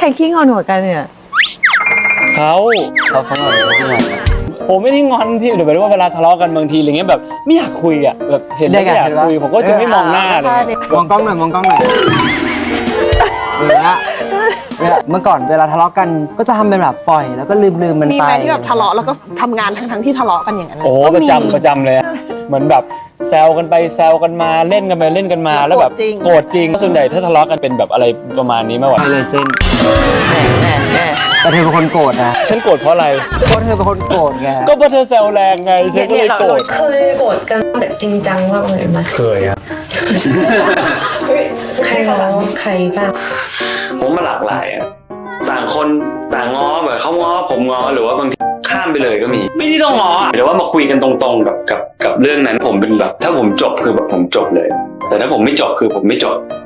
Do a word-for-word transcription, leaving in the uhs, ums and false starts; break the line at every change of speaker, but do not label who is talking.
รขี้งอนหัวกันเนี่ย
เขาเขาเขางอนเขาขี้งอนผมไม่ได้งอนพี่เดี๋ยวไปดูว่าเวลาทะเลาะกันบางทีอะไรเงี้ยแบบไม่อยากคุยอ่ะแบบเห็นแล้วไม่อยากคุยผมก็จะไม่มองหน้าเลย
มองกล้องหน่อยมองกล้องหน่อยเนี่ยเมื่อก่อนเวลาทะเลาะกันก็จะทำเป็นแบบปล่อยแล้วก็ลืมลืมมันไป
มีไหมที่แบบทะเลาะแล้วก็ทำงานทั้งทั้งที่ทะเลาะกันอย่างนั้น
โอ้โหประจำประจำเลยเหมือนแบบแซวกันไปแซวกันมาเล่นกันไปเล่นกันมาแล้วแบบโกรธจริงส่วนใหญ่ถ้าทะเลาะกันเป็นแบบอะไรประมาณนี้มากกว่า
เลยเส้นแต่เธอเป็นคนโกรธนะ
ฉันโกรธเพราะอะไร
เพราะเธอเป็นคนโกรธไง
ก็เพราะเธอแซวแรงไงฉันก็เลยโกรธ
เคยโกรธกันแบบจริงจังมากเลยไหม
เคยครับ
ใครง้อใครบ้าง
ผมมาหลากหลายอ่ะต่างคนต่างง้อแบบเขาง้อผมง้อหรือว่าบางทีข้ามไปเลยก็มีไม่ได้ต้องง้อแต่ว่ามาคุยกันตรงๆกับกับกับเรื่องนั้นผมเป็นแบบถ้าผมจบคือแบบผมจบเลยแต่ถ้าผมไม่จบคือผมไม่จบ